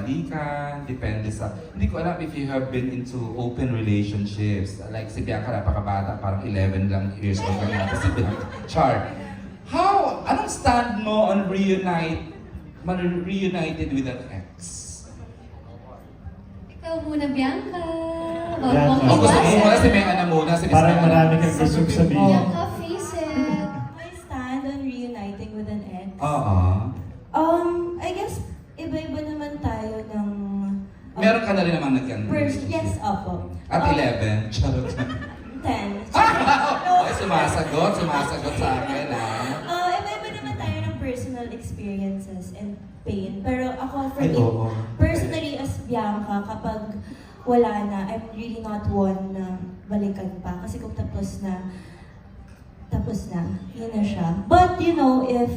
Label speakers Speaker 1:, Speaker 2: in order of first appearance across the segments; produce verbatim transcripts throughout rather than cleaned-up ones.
Speaker 1: halikan, depende sa... Hindi ko alam if you have been into open relationships. Like si Bianca, napakabata, parang eleven lang years old lang natin si Bianca. Char. How, anong stand mo on reunite, man reunited with an ex?
Speaker 2: Ikaw muna, Bianca.
Speaker 3: Bianca.
Speaker 1: O gusto mo muna si Mena muna, si Miss
Speaker 3: Parang
Speaker 1: Mena.
Speaker 3: marami kang gustong sabihin.
Speaker 2: Bianca, face it.
Speaker 4: My stand on reuniting with an ex.
Speaker 1: Oo.
Speaker 4: Um, I guess, iba-iba naman tayo ng... um,
Speaker 1: Meron ka na rin namang nagyan.
Speaker 4: First, yes, opo.
Speaker 1: At
Speaker 4: Um,
Speaker 1: eleven, charot.
Speaker 4: ten.
Speaker 1: Ay, sumasagot, sumasagot sa akin, ah.
Speaker 4: Uh, iba-iba naman tayo ng personal experiences and pain. Pero ako, for
Speaker 3: Ay,
Speaker 4: me,
Speaker 3: oo.
Speaker 4: personally as Bianca, kapag wala na, I'm really not one na balikan pa. Kasi kung tapos na, tapos na, yun na siya. But, you know, if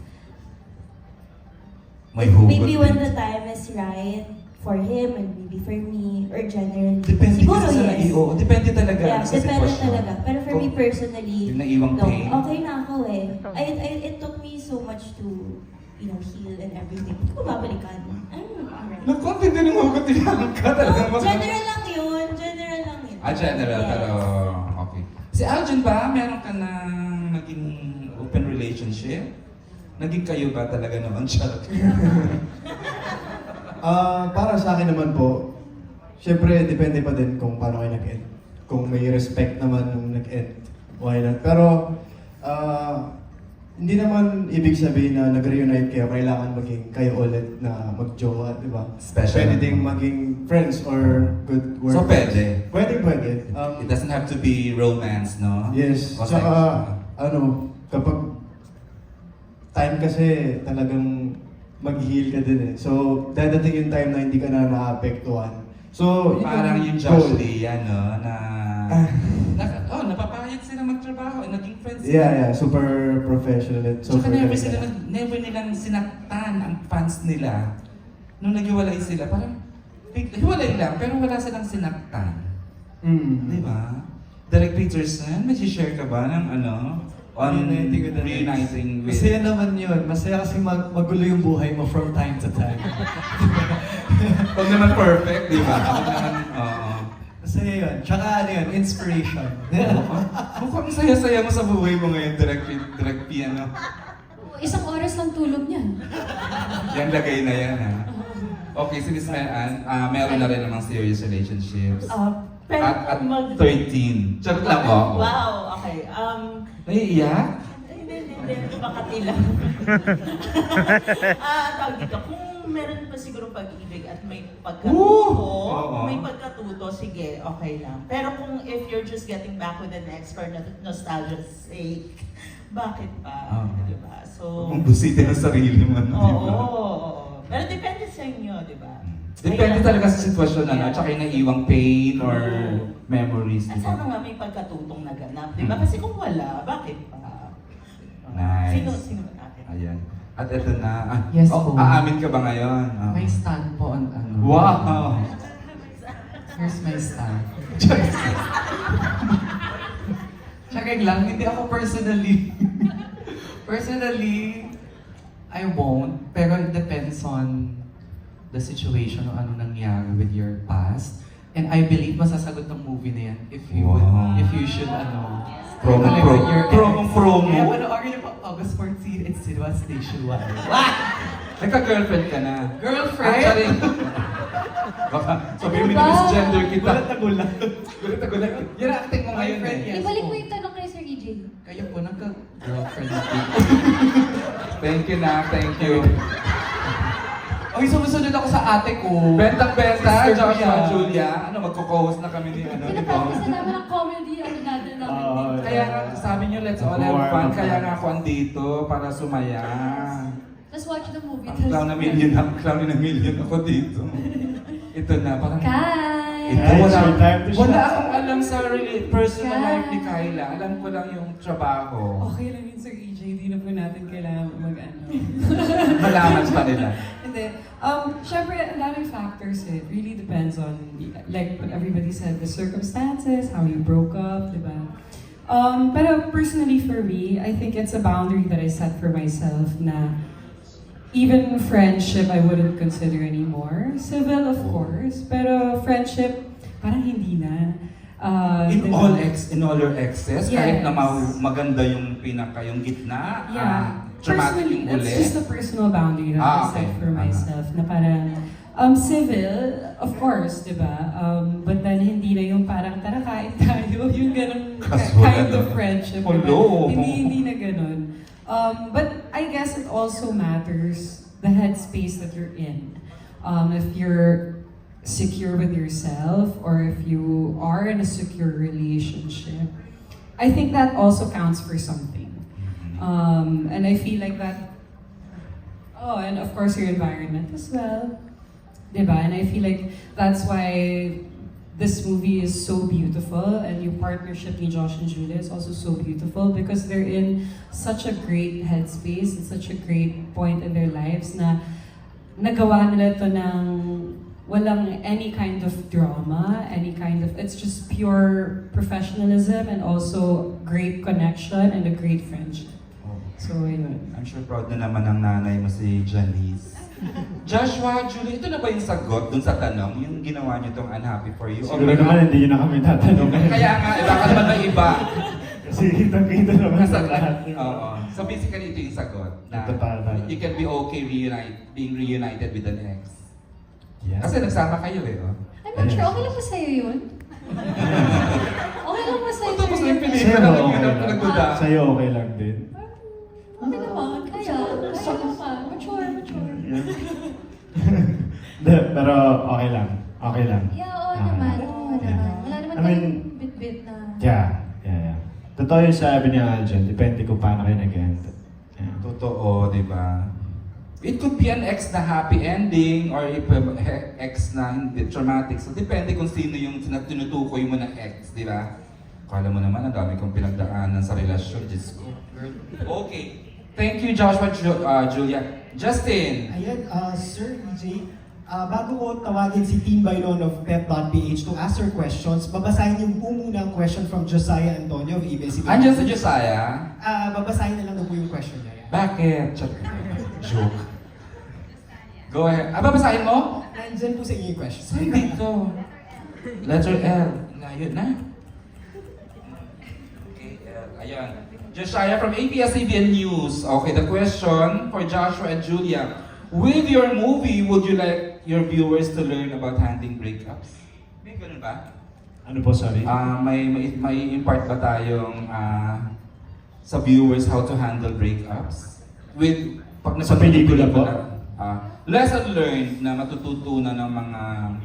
Speaker 1: May hugot
Speaker 4: maybe when
Speaker 1: din.
Speaker 4: the time is right for him and maybe for me, or generally,
Speaker 1: Depende
Speaker 4: siguro
Speaker 1: kasi sa
Speaker 4: yes.
Speaker 1: oo, depende talaga
Speaker 4: Yeah,
Speaker 1: sa
Speaker 4: depende
Speaker 1: sitwasyon.
Speaker 4: talaga. Pero for me
Speaker 1: Kung
Speaker 4: personally,
Speaker 1: yung naiwang
Speaker 4: no,
Speaker 1: pain.
Speaker 4: okay na ako eh. I, I, it took me so much to, you know, heal and everything. Hindi ko babalikan. I'm alright.
Speaker 1: Nakonti din yung hugot ni Bianca talagang
Speaker 4: Oh,
Speaker 1: mag-
Speaker 4: general lang yun. General lang yun.
Speaker 1: Ah, general,
Speaker 4: Yes.
Speaker 1: pero okay. Si Aljon ba, meron ka na naging open relationship? Naging kayo ba talaga noon? Charot.
Speaker 3: Ah, para sa akin naman po, syempre depende pa din kung paano kayo nag-end. Kung may respect naman nung nag-end, why not? Pero, ah, hindi naman ibig sabihin na nag-reunite kayo, kailangan maging kayo ulit na mag-jowa, di ba?
Speaker 1: Special.
Speaker 3: Pwede ding maging friends or good work.
Speaker 1: So, pwede?
Speaker 3: Pwede, pwede. Um,
Speaker 1: It doesn't have to be romance, no?
Speaker 3: Yes.
Speaker 1: Okay.
Speaker 3: Saka, ano, kapag time kasi talagang mag-heal ka din eh. So, dadating yung time na hindi ka na naapektuhan. So, yun
Speaker 1: Parang yung
Speaker 3: goal.
Speaker 1: Josh yan, no? Na,
Speaker 3: Ah.
Speaker 1: na, oh, napapayag sila magtrabaho, naging friends sila.
Speaker 3: Yeah, yeah. Super professional at
Speaker 1: Tsaka
Speaker 3: super
Speaker 1: never,
Speaker 3: galing
Speaker 1: sila,
Speaker 3: ka.
Speaker 1: nag- never nilang sinaktan ang fans nila. Nung naghiwalay sila, parang, big- hiwalay lang, pero wala silang sinaktan.
Speaker 3: Mm.
Speaker 1: Di ba? Derek Peterson, may share ka ba ng ano? On
Speaker 5: Reuniting with the
Speaker 1: reuniting with...
Speaker 5: Masaya naman yun. Masaya kasi mag magulo yung buhay mo from time to time.
Speaker 1: Huwag naman perfect, di ba? Huwag naman, oo.
Speaker 5: Masaya yun. Tsaka ano yun, inspiration.
Speaker 1: Mukhang saya-saya mo sa buhay mo ngayon, Direct, direct Piano.
Speaker 2: Isang oras lang tulog niyan.
Speaker 1: Yan lagay na yan, ha? Okay, si Miss Meran, ah, meron na rin namang serious relationships.
Speaker 6: Uh, pero
Speaker 1: At, at
Speaker 6: mag-
Speaker 1: thirteen. Charot lang ako.
Speaker 6: Wow, okay. Um,
Speaker 1: Naiiyak?
Speaker 6: hindi, hindi, hindi. Makati lang. Ah, tawag dito. Kung meron pa siguro pag-ibig at may pagkatuto,
Speaker 1: Oo.
Speaker 6: may pagkatuto, sige, okay lang. Pero kung if you're just getting back with the next for no- nostalgia's sake, bakit pa?
Speaker 1: Ah.
Speaker 6: Di ba? So,
Speaker 1: Kung busitin ang sarili mo,
Speaker 6: oo.
Speaker 1: di ba?
Speaker 6: oo. Pero depende sa inyo, di ba?
Speaker 1: Depende
Speaker 6: Kaya-
Speaker 1: talaga sa sitwasyon, ano,
Speaker 6: Yeah.
Speaker 1: tsaka yung naiiwang pain or
Speaker 6: Oo.
Speaker 1: memories,
Speaker 6: At
Speaker 1: di
Speaker 6: sana
Speaker 1: ba?
Speaker 6: nga may pagkatutong naganap, di ba?
Speaker 1: Mm.
Speaker 6: Kasi kung wala, bakit pa?
Speaker 1: Nice.
Speaker 6: Sino, sino natin?
Speaker 1: Ayan. At ito na. Ah,
Speaker 7: Yes
Speaker 1: oh,
Speaker 7: po.
Speaker 1: aamin ka ba ngayon? Ah.
Speaker 7: May stand po on ano.
Speaker 1: Wow!
Speaker 7: Here's my stand. Tsaka lang, hindi ako personally. personally, I won't. Pero it depends on the situation o ano nangyari with your past. And I believe masasagot ng movie na yan if you would,
Speaker 1: Wow.
Speaker 7: if you should ano.
Speaker 1: Promo,
Speaker 7: talaga
Speaker 1: promo,
Speaker 7: your
Speaker 1: promo,
Speaker 7: ex.
Speaker 1: promo.
Speaker 7: Kaya panoorin niyo po August fourteenth, it's Cinema Station one.
Speaker 1: Nagka-girlfriend ka na.
Speaker 7: Girlfriend?
Speaker 1: Ay, sorry. Baka sabihin mo
Speaker 2: Ano
Speaker 1: na
Speaker 2: ba?
Speaker 1: misgender kita.
Speaker 5: Gulat na gulat.
Speaker 1: Gulat na gulat. Yan ang acting mo ngayon
Speaker 7: Boyfriend,
Speaker 1: eh.
Speaker 7: yes
Speaker 2: Ibalik
Speaker 7: po.
Speaker 2: mo yung tanong kay Sir E J.
Speaker 7: Kayo po, nagka-girlfriend po.
Speaker 1: Thank you na, thank you.
Speaker 7: Ay, sumusunod ako sa ate ko.
Speaker 1: Bentang-benta,
Speaker 7: Sister
Speaker 1: Joshua,
Speaker 7: Julia.
Speaker 1: Julia. Ano, magko-co-host na kami ni ano, di ba?
Speaker 2: Pinapagkas na namin ang comedy, ano natin namin.
Speaker 3: Oo.
Speaker 1: Kaya nga, sabi niyo, let's all have fun. Kaya nga ako andito para sumaya.
Speaker 2: Let's watch the movie.
Speaker 1: Ang clown na million, ang clown na million ako dito. Ito na, parang...
Speaker 2: Kai!
Speaker 1: Ito,
Speaker 3: Guys,
Speaker 1: wala,
Speaker 3: your time to
Speaker 1: wala
Speaker 3: shine.
Speaker 1: akong alam sa really personal
Speaker 2: Kai.
Speaker 1: life ni Kyla. Alam ko lang yung trabaho.
Speaker 8: Okay lang yun, Sir E J. Hindi na po natin kailangan mag-ano.
Speaker 1: Malaman pa nila.
Speaker 8: Hindi. Um, Siyempre, ang daming factors eh. It really depends on, like what everybody said, the circumstances, how you broke up, di ba? Um, pero personally for me, I think it's a boundary that I set for myself na even friendship, I wouldn't consider anymore. Civil, of course. Pero friendship, parang hindi na. Uh,
Speaker 1: In
Speaker 8: diba?
Speaker 1: all ex, in all your exes, kahit na
Speaker 8: Yes.
Speaker 1: ma- maganda yung pinaka, yung gitna,
Speaker 8: Yeah.
Speaker 1: ah, traumatic
Speaker 8: Personally,
Speaker 1: yung
Speaker 8: that's
Speaker 1: uli.
Speaker 8: just a personal boundary that
Speaker 1: Ah,
Speaker 8: I set
Speaker 1: okay.
Speaker 8: for
Speaker 1: Ah.
Speaker 8: myself. Na parang, um, civil, of course, di ba? Um, but then, hindi na yung parang, tara, kain tayo. Yung ganun
Speaker 1: Casual
Speaker 8: kind
Speaker 1: na.
Speaker 8: of friendship. di ba?
Speaker 1: Hello.
Speaker 8: Hindi, hindi na ganun. Um, but I guess it also matters the headspace that you're in. Um, if you're secure with yourself or if you are in a secure relationship, I think that also counts for something. Um, and I feel like that, oh, and of course your environment as well. Diba? And I feel like that's why this movie is so beautiful and yung partnership ni Josh and Julia is also so beautiful because they're in such a great headspace and such a great point in their lives na nagawa nila to ng walang any kind of drama, any kind of, it's just pure professionalism and also great connection and a great friendship. So, yun.
Speaker 1: I'm sure proud na naman ang nanay mo si Janice. Joshua, Julie, ito na ba yung sagot dun sa tanong? Yung ginawa niyo tong unhappy for you?
Speaker 3: Siguro naman hindi nyo na kami tatanong.
Speaker 1: Kaya nga, eh, baka naman may iba.
Speaker 3: Kasi kitang-kita naman sa
Speaker 1: Nasa,
Speaker 3: lahat.
Speaker 1: oo. So basically, ito yung sagot. Na
Speaker 3: Ito pa, pa.
Speaker 1: you can be okay reunite, being reunited with an ex.
Speaker 3: Yeah.
Speaker 1: Kasi nagsama kayo eh, oh.
Speaker 2: I'm not sure, okay lang ba sa'yo yun? Okay lang ba sa'yo?
Speaker 1: Tapos na yung
Speaker 2: yun?
Speaker 1: pelikula
Speaker 3: Sa'yo
Speaker 1: na
Speaker 3: okay
Speaker 1: yun,
Speaker 3: lang.
Speaker 1: pinagduda.
Speaker 3: Sa'yo okay lang din.
Speaker 2: Okay naman, kaya. Kaya naman. Mature, mature.
Speaker 3: De, pero okay lang. Okay lang.
Speaker 2: Yeah, oo
Speaker 3: Ah,
Speaker 2: naman. Oo
Speaker 3: yeah.
Speaker 2: naman. Wala naman
Speaker 3: I mean,
Speaker 2: tayong bit-bit na.
Speaker 3: Yeah, yeah, yeah. Totoo yung sabi ni Aljan, depende kung paano kayo nag-end. Yeah.
Speaker 1: Totoo, di ba? It could be an ex na happy ending or if um, he- ex na hindi traumatic. So depende kung sino yung sina- tinutukoy mo na ex, di ba? Kala mo naman, ang dami kong pinagdaanan sa relasyon. Diyos ko. Okay. Thank you, Joshua, Ju- uh, Julia. Justin!
Speaker 9: Ayan, uh, Sir E J, uh, bago ko tawagin si Team Bailon of Pep dot p h to ask her questions, babasahin yung po muna ang question from Josiah Antonio of A B S C B.
Speaker 1: Andiyan si Josiah.
Speaker 9: Ah, babasahin na lang daw po yung question niya.
Speaker 1: Bakit? Ch- Joke. Go ahead. Ah, babasahin mo?
Speaker 9: Nandyan po sa inyo yung question.
Speaker 1: Saan dito? Letter L. Layo na. Okay, L. Ayan. Josiah from A B S C B N News. Okay, the question for Joshua and Julia. With your movie, would you like your viewers to learn about handling breakups? May ganun ba?
Speaker 3: Ano po, sorry?
Speaker 1: Ah, may, may, may impart ba tayong ah, sa viewers how to handle breakups? With, pag
Speaker 3: Sa pelikula po?
Speaker 1: Ah, lesson learned na matututunan ng mga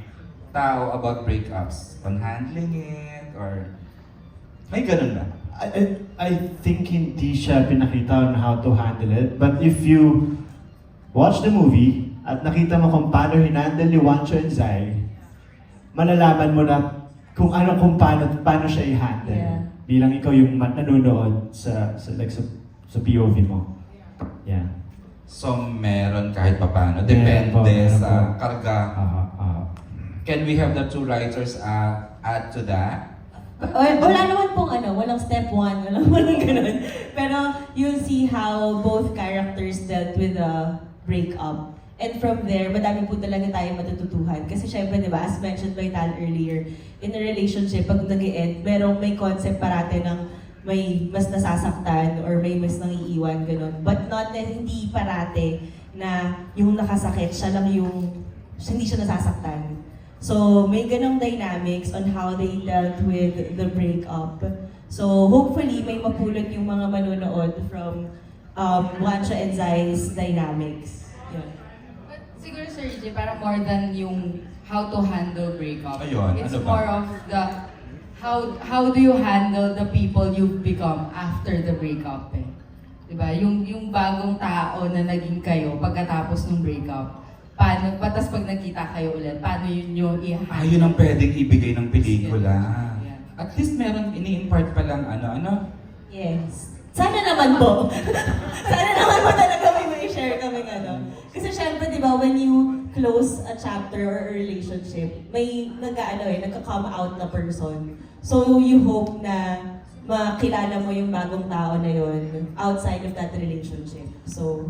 Speaker 1: tao about breakups. On handling it, or may ganun ba?
Speaker 3: I, I, I think hindi siya pinakita on how to handle it. But if you watch the movie at nakita mo kung paano hinandle ni Wancho and Zai, malalaman mo na kung ano kung paano, paano siya i-handle.
Speaker 4: Yeah.
Speaker 3: Bilang ikaw yung mat- nanonood sa, sa, like, sa, sa P O V mo. Yeah.
Speaker 1: So, meron kahit papano.
Speaker 3: Meron
Speaker 1: Depende
Speaker 3: po, meron
Speaker 1: sa
Speaker 3: po.
Speaker 1: karga.
Speaker 3: Ah, ah.
Speaker 1: Can we have the two writers uh, add to that?
Speaker 4: Wala, wala naman pong ano, walang step one, walang walang ganun. Pero you'll see how both characters dealt with the breakup. And from there, madami po talaga tayong matututuhan. Kasi syempre, di ba, as mentioned by Tal earlier, in a relationship, pag nag-e-end, merong may concept parate ng may mas nasasaktan or may mas nangiiwan, ganun. But not na hindi parate na yung nakasakit, siya lang yung, hindi siya nasasaktan. So, may ganong dynamics on how they dealt with the breakup. So, hopefully, may mapulot yung mga manonood from um, Wancho and Zai's dynamics. Yun.
Speaker 10: But siguro Sir E J, parang more than yung how to handle breakup.
Speaker 1: Ayun,
Speaker 10: It's
Speaker 1: ano ba?
Speaker 10: more of the how how do you handle the people you've become after the breakup eh. Diba? Yung, yung bagong tao na naging kayo pagkatapos ng breakup. Paano, patas pag nagkita kayo ulit, paano yun yung i-handle?
Speaker 1: Ah, yun ang pwedeng ibigay ng pelikula.
Speaker 10: Yeah.
Speaker 1: At least meron ini-impart pa lang ano, ano?
Speaker 4: Yes. Sana naman po. Sana naman po talaga may may share kami ano. Kasi syempre, di ba, when you close a chapter or a relationship, may nag-ano eh, nagka-come out na person. So you hope na makilala mo yung bagong tao na yun outside of that relationship. So,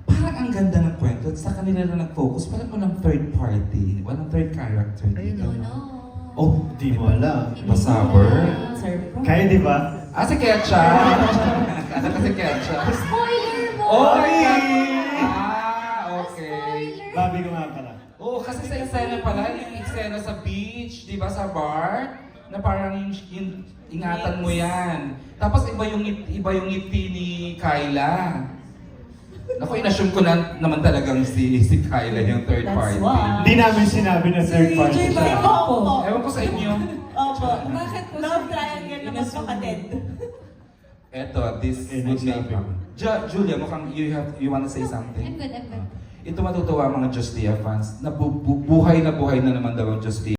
Speaker 1: parang ang ganda ng kwento. At sa kanila na nag-focus, parang walang third party. Walang third character dito.
Speaker 2: No, no.
Speaker 3: Oh, di mo alam.
Speaker 1: Masaber.
Speaker 4: Surprise.
Speaker 9: Kaya di ba?
Speaker 1: Ah, si Ketcha! Ano ka si Ketcha?
Speaker 2: Spoiler mo!
Speaker 1: Oh,
Speaker 9: Oy!
Speaker 1: Ah, okay.
Speaker 2: Spoiler!
Speaker 9: Babi ko nga pala.
Speaker 1: Oo, kasi sa eksena pala, yung eksena sa beach, di ba, sa bar, na parang yung, yung ingatan mo yan. Tapos iba yung ngip- iba yung ngiti ni Kyla. Naku, inassume ko na naman talagang si si Kyla yung third
Speaker 4: That's
Speaker 1: party.
Speaker 4: why.
Speaker 9: Hindi namin sinabi na third party
Speaker 4: Jay,
Speaker 9: siya.
Speaker 4: bakit po?
Speaker 1: Ewan ko sa inyo.
Speaker 4: Opo.
Speaker 8: Bakit po
Speaker 4: Love
Speaker 8: siya
Speaker 4: triangle na magkapatid.
Speaker 1: Eto, this
Speaker 9: Eh,
Speaker 1: would
Speaker 9: next
Speaker 1: make
Speaker 9: topic.
Speaker 1: Ju- Julia, mukhang you have you wanna say something?
Speaker 2: I'm good, I'm good.
Speaker 1: Ito matutuwa mga Just Dia fans na bu- bu- buhay na buhay na naman daw ang Just Dia.